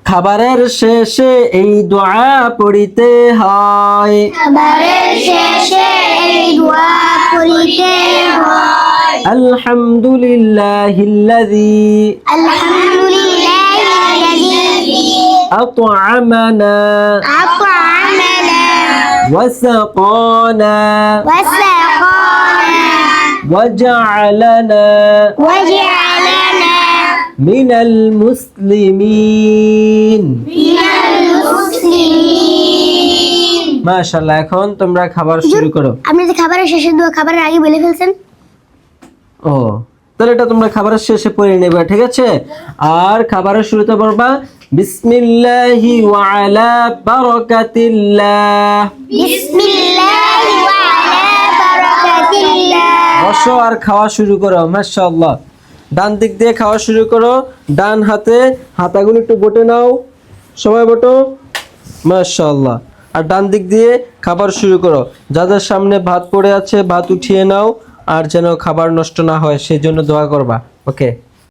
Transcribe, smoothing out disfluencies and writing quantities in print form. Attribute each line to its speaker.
Speaker 1: খাবারের শেষে এই দোয়া পড়িতে হয়।
Speaker 2: খাবারের শেষে এই দোয়া পড়িতে হয়।
Speaker 1: আলহামদুলিল্লাহিল্লাযী
Speaker 2: আলহামদুলিল্লাহিল্লাযী
Speaker 1: আত'আমানা
Speaker 2: আত'আমানা
Speaker 1: ওয়া সাকানা
Speaker 2: ওয়া সাকানা
Speaker 1: ওয়া জা'আলানা
Speaker 2: ওয়া জা'আলানা
Speaker 1: মিনাল মুসলিমিন।
Speaker 2: মিনাল মুসলিমিন।
Speaker 1: মাশাআল্লাহ, এখন তোমরা খাবার শুরু করো।
Speaker 2: আপনি যে খাবারের শেষে দোয়া খাবারের আগে বলে ফেলছেন।
Speaker 1: ও, তাহলে এটা তোমরা খাবারের শেষে পড়ে নেবে, ঠিক আছে? আর খাবারের শুরুতে পড়বা বিসমিল্লাহি ওয়া আলা বারাকাতিল্লাহ।
Speaker 2: বিসমিল্লাহি ওয়া আলা বারাকাতিল্লাহ।
Speaker 1: বসো আর খাওয়া শুরু করো। মাশাআল্লাহ, ডান দিক দিয়ে খাওয়া শুরু করো। ডান হাতে হাতাগুলো একটু বটে নাও, সবাই বটো। মাশাআল্লাহ, আর ডান দিক দিয়ে খাবার শুরু করো। যাদের সামনে ভাত পড়ে আছে ভাত উঠিয়ে নাও, আর যেন খাবার নষ্ট না হয় সেই জন্য দোয়া করবা। ওকে।